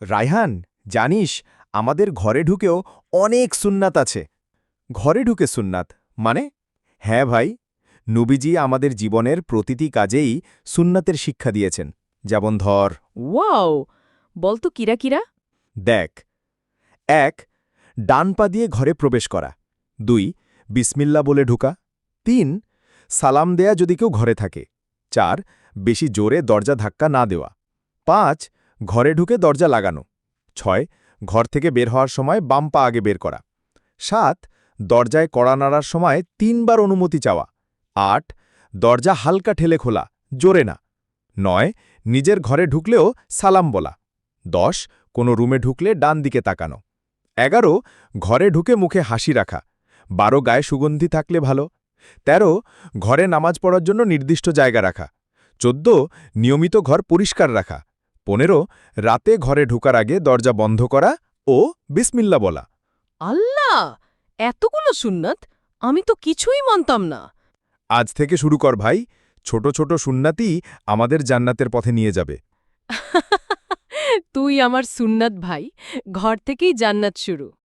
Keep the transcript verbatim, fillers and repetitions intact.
রায়হান, জানিস আমাদের ঘরে ঢুকেও অনেক সুন্নাত আছে। ঘরে ঢুকে সুন্নাত মানে? হ্যাঁ ভাই, নবীজি আমাদের জীবনের প্রতিটি কাজেই সুন্নাতের শিক্ষা দিয়েছেন। যেমন ধর, ওয়াও, বলতো কিরা কিরা? দেখ, এক ডান পা দিয়ে ঘরে প্রবেশ করা, দুই বিসমিল্লা বলে ঢুকা, তিন সালাম দেয়া যদি কেউ ঘরে থাকে, চার বেশি জোরে দরজা ধাক্কা না দেওয়া, পাঁচ ঘরে ঢুকে দরজা লাগানো, ছয় ঘর থেকে বের হওয়ার সময় বাম পা আগে বের করা, সাত দরজায় কড়া নাড়ার সময় তিনবার অনুমতি চাওয়া, আট দরজা হালকা ঠেলে খোলা, জোরে না, নয় নিজের ঘরে ঢুকলেও সালাম বলা, দশ কোনো রুমে ঢুকলে ডান দিকে তাকানো, এগারো ঘরে ঢুকে মুখে হাসি রাখা, বারো গায়ে সুগন্ধি থাকলে ভালো, তেরো ঘরে নামাজ পড়ার জন্য নির্দিষ্ট জায়গা রাখা, চোদ্দ নিয়মিত ঘর পরিষ্কার রাখা, পনেরো রাতে ঘরে ঢোকার আগে দরজা বন্ধ করা ও বিসমিল্লা বলা। আল্লাহ, এতগুলো সুন্নাত! আমি তো কিছুই মানতাম না। আজ থেকে শুরু কর ভাই, ছোট ছোট সুন্নাতই আমাদের জান্নাতের পথে নিয়ে যাবে। তুই আমার সুন্নাত ভাই, ঘর থেকেই জান্নাত শুরু।